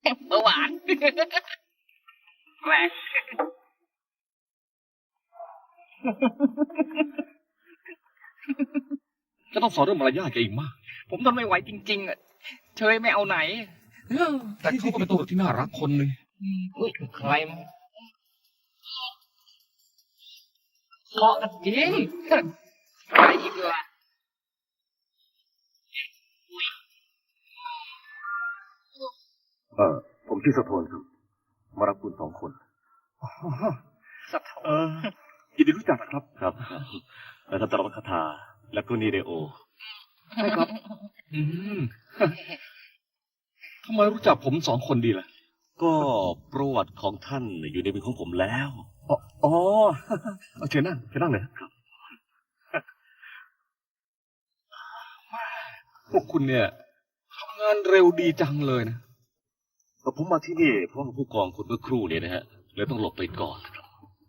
เบาหวานแหวกจะต้องสอนเรื่องมารยาทแกอีกมากผมทนไม่ไหวจริงๆอ่ะเชยไม่เอาไหนแต่เขาก็เป็นตัวที่น่ารักคนหนึ่งอุ้ยใครมาเหมาะกันจริงใครอีกล่ะผมชื่อสะโทนครับมารับคุณ2 คนสะท้อนยินดีรู้จักครับครับแล้วท่านตรวคาถาและก็นีเดโอใช่ครับทำไมรู้จักผม2 คนดีล่ะก็ประวัติของท่านอยู่ในมือของผมแล้วอ๋อเชิญนั่งเลยครับพวกคุณเนี่ยทำงานเร็วดีจังเลยนะผมมาที่นี่เพราะผู้กองคนเมื่อครู่เนี่ยนะฮะเลยต้องหลบไปก่อนครับ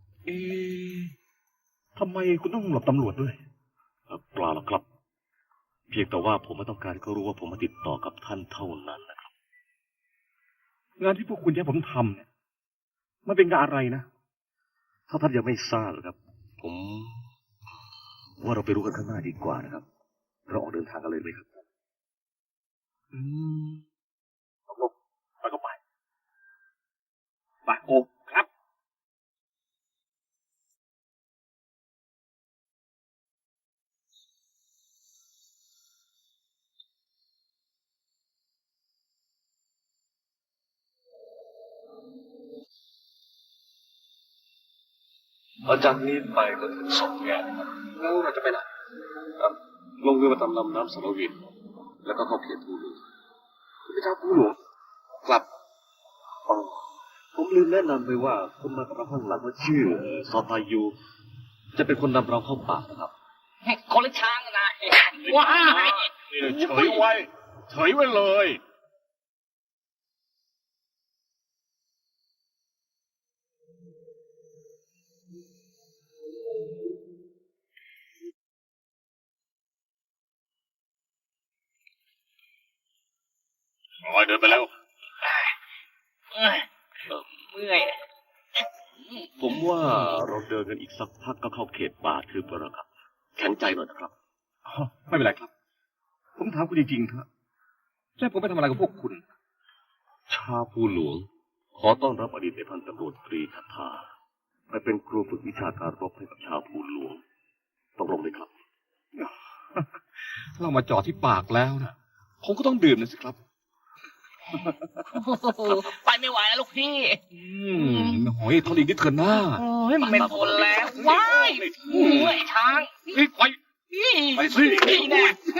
ทำไมคุณต้องหลบตำรวจด้วยเปล่าหรอกครับ เพียงแต่ว่าผมไม่ต้องการให้เขารู้ว่าผมมาติดต่อกับท่านเท่านั้นนะครับงานที่พวกคุณให้ผมทำเนี่ยมันเป็นงานอะไรนะถ้าท่านยังไม่ทราบครับ ผมว่าเราไปรู้กันข้างหน้าดีกว่านะครับเราออกเดินทางกันเลยไหมครับไปก็ไปโอ้ครับอาจารย์นี้ไปก็ถึง2 แยกแล้วเราจะไปไหนครับลงเรือมาตามลำน้ำสารวินแล้วก็เข้าเขตภูหลวงไปทางภูหลวงกลับผมลืมแนะนำไปว่าคนมากับเราข้างหลังว่าชื่อซอตายูจะเป็นคนนำเราเข้าป่านะครับคนละช้างนะว้ายเฉยไว้เลยเดินไปแล้วเมื่อยผมว่าเราเดินกันอีกสักพักก็เข้าเขตป่าทึบแล้วครับแข็งใจหน่อยนะครับไม่เป็นไรครับ ผมถามคุณจริงๆเถอะแล้วผมไปทำอะไรกับพวกคุณชาวภูหลวงขอต้อนรับอดีตในพันตำรวจตรีคาถาไปเป็นครูฝึกวิชาการรบให้กับชาวภูหลวงตกลงไหมครับเรามาจอดที่ปากแล้วนะผมก็ต้องดื่มนะสิครับไปไม่ไหวแล้วลูกพี่โอ้ยทนอีกนิดเถอะหน้าโอ้ยมันไม่ทนแล้วว้ายเมื่อยช้างไปสินี่แน่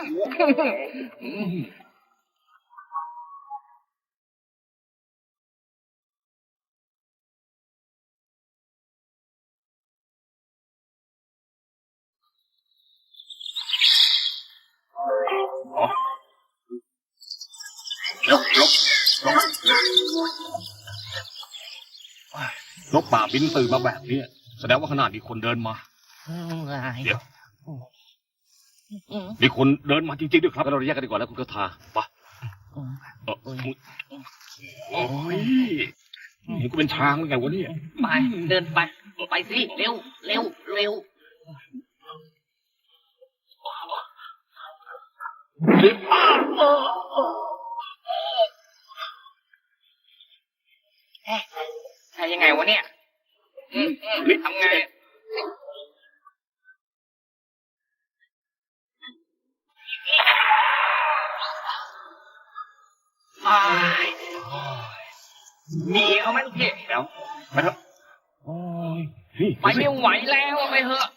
นกป่าบินตื่นมาแบบนี้แสดงว่าขางหนาดมีคนเดินมา เดี๋ยว มีคนเดินมาจริงๆด้วยครับงั้นเราแยกกันดีกว่าแล้วคุณคาถาไปโอ้ยเห็นกูเป็นช้างหรือไงวะเนี่ยไปเดินไปไปสิเร็วเร็วเร็วใช่ยังไงวะเนี่ยทำไงมีเอาไหมลูกพี่เดี๋ยวไปเถอะโอ้ยนี่ไปไม่ไหวแล้วไปเถอะ